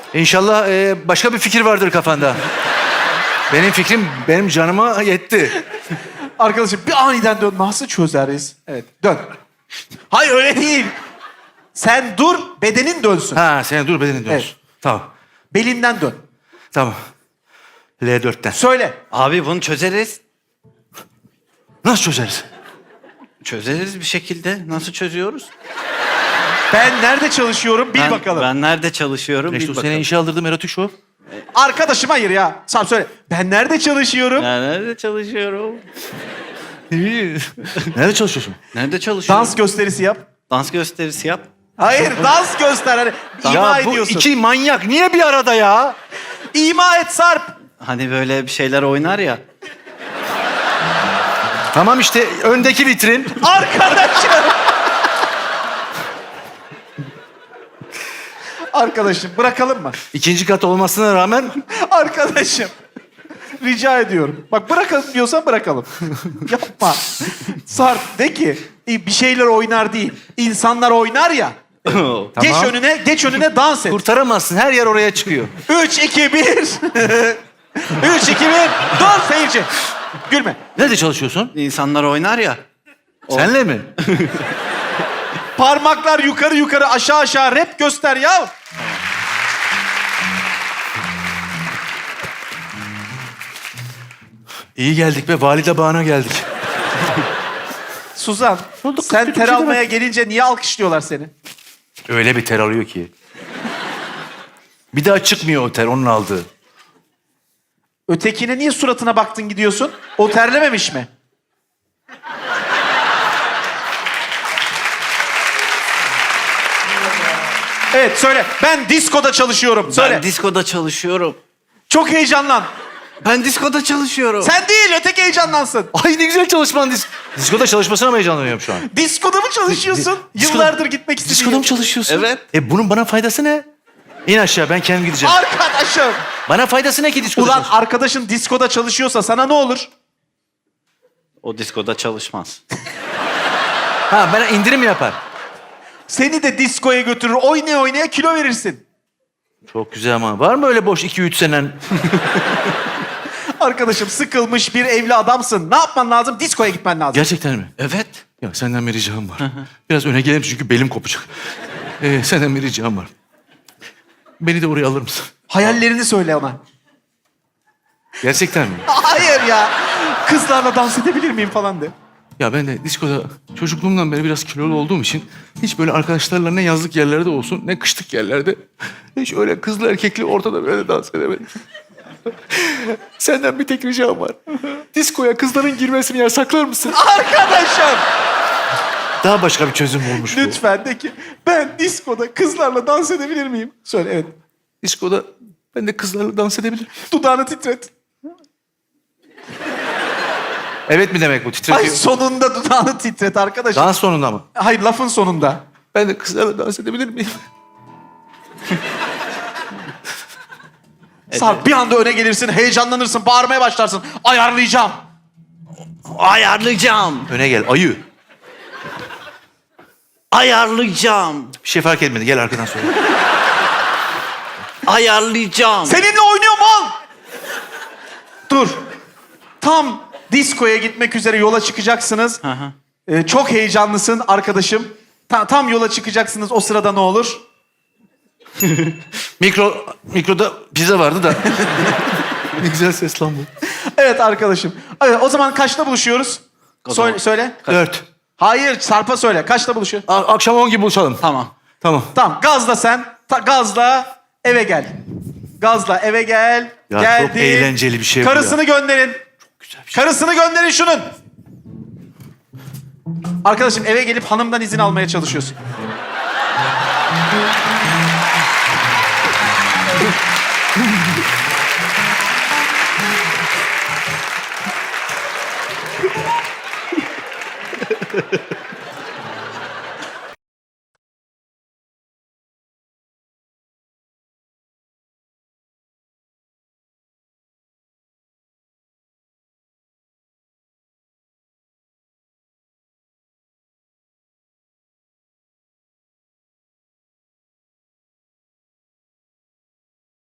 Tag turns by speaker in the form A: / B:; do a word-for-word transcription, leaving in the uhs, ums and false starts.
A: İnşallah e, başka bir fikir vardır kafanda. Benim fikrim benim canıma yetti.
B: Arkadaşım bir aniden dön. Nasıl çözeriz? Evet dön. Hayır öyle değil. Sen dur bedenin dönsün.
A: Ha sen dur bedenin dönsün.
B: Evet.
A: Tamam.
B: Belinden dön.
A: Tamam. L dörtten.
B: Söyle.
C: Abi bunu çözeriz.
A: Nasıl çözeriz?
C: Çözeriz bir şekilde. Nasıl çözüyoruz?
B: Ben nerede çalışıyorum bil
C: ben,
B: bakalım.
C: Ben nerede çalışıyorum
A: İşte
C: bil
A: o
C: bakalım.
A: sene işe aldırdığım erotik show.
B: Arkadaşım hayır ya. Sen söyle. Ben nerede çalışıyorum?
C: Ben nerede çalışıyorum?
A: Nerede çalışıyorsun?
C: Nerede çalışıyorum?
B: Dans gösterisi yap.
C: Dans gösterisi yap.
B: Hayır dans göster. Hani ima
A: Ya bu
B: ediyorsun.
A: iki manyak niye bir arada ya?
B: İma et Sarp.
C: Hani böyle bir şeyler oynar ya.
A: Tamam işte öndeki vitrin.
B: Arkadaşım. Arkadaşım bırakalım mı?
A: İkinci kat olmasına rağmen
B: Arkadaşım. Rica ediyorum. Bak bırakalım diyorsan bırakalım. Yapma. Sarp de ki "E, bir şeyler oynar değil. İnsanlar oynar ya. Geç önüne, geç önüne dans et.
A: kurtaramazsın. Her yer oraya çıkıyor.
B: Üç, iki, bir. Üç, iki, bir. Dur seyirci. Gülme.
A: Nerede çalışıyorsun?
C: İnsanlar oynar ya.
A: Senle mi?
B: Parmaklar yukarı yukarı aşağı aşağı rap göster ya.
A: İyi geldik be. Valide bağına geldik.
B: Suzan,
A: Oldu,
B: sen
A: kötü bir
B: ter
A: şey
B: almaya
A: demek.
B: gelince niye alkışlıyorlar seni?
A: Öyle bir ter alıyor ki. Bir daha çıkmıyor o ter onun aldığı.
B: Ötekine niye suratına baktın gidiyorsun? O terlememiş mi? Evet söyle. Ben diskoda çalışıyorum. Söyle.
C: Ben diskoda çalışıyorum.
B: Çok heyecanlan.
C: Ben diskoda çalışıyorum.
B: Sen değil öteki heyecanlansın.
A: Ay ne güzel çalışman. Dis Diskoda çalışmasına mı heyecanlanıyorum şu an?
B: Diskoda mı çalışıyorsun?
A: Di- diskoda-
B: Yıllardır gitmek istediğin.
A: Diskoda mı çalışıyorsun?
C: Evet.
A: E bunun bana faydası ne? İn aşağı ben kendim gideceğim.
B: Arkadaşım.
A: Bana faydası ne ki diskoda
B: Ulan
A: çalış-
B: arkadaşın diskoda çalışıyorsa sana ne olur?
C: O diskoda çalışmaz.
A: Ha bana indirim yapar.
B: Seni de diskoya götürür. Oynaya oynaya kilo verirsin.
A: Çok güzel ama. Var mı öyle boş iki üç senen?
B: Arkadaşım sıkılmış bir evli adamsın. Ne yapman lazım? Diskoya gitmen lazım.
A: Gerçekten mi?
C: Evet.
A: Ya senden bir ricam var. Biraz öne gelelim çünkü belim kopacak. Ee, senden bir ricam var. Beni de oraya alır mısın?
B: Hayallerini söyle ona.
A: Gerçekten mi?
B: Hayır ya. Kızlarla dans edebilir miyim falan de.
A: Ya ben de diskoda çocukluğumdan beri biraz kilolu olduğum için hiç böyle arkadaşlarla ne yazlık yerlerde olsun ne kışlık yerlerde hiç öyle kızlı erkekli ortada böyle dans edemedim. Senden bir tek ricam var. Diskoya kızların girmesini yasaklar mısın?
B: Arkadaşım.
A: Daha başka bir çözüm olmuş bu.
B: Lütfen de ki ben diskoda kızlarla dans edebilir miyim? Söyle evet.
A: Diskoda ben de kızlarla dans edebilir miyim?
B: Dudağını titret.
A: Evet mi demek bu?
B: Ay
A: Titretiyor.
B: sonunda dudağını titret arkadaşım.
A: Dans sonunda mı?
B: Hayır lafın sonunda.
A: Ben de kızlarla dans edebilir miyim?
B: Sarp bir anda öne gelirsin, heyecanlanırsın, bağırmaya başlarsın. Ayarlayacağım.
C: Ayarlayacağım.
A: Öne gel ayı.
C: Ayarlayacağım.
A: Bir şey fark etmedi gel arkadan söyle.
C: Ayarlayacağım.
B: Seninle oynuyorum al. Dur. Tam diskoya gitmek üzere yola çıkacaksınız.
C: Hı hı.
B: Ee, çok heyecanlısın arkadaşım. Ta- tam yola çıkacaksınız o sırada ne olur?
A: Mikro, mikroda pizza vardı da. Ne güzel ses lan bu.
B: Evet arkadaşım. Evet, o zaman kaçta buluşuyoruz?
C: O zaman-
B: Söyle. söyle.
A: Dört.
B: Hayır Sarp'a söyle. Kaçta buluşuyor?
A: A- akşam on gibi buluşalım.
C: Tamam.
A: Tamam.
B: Tamam gazla sen. Ta- gazla eve gel. Gazla eve gel.
A: Ya
B: Geldi.
A: çok eğlenceli bir şey bu
B: Karısını gönderin.
A: Güzel bir şey.
B: Karısını gönderin şunun. Arkadaşım eve gelip hanımdan izin almaya çalışıyorsun.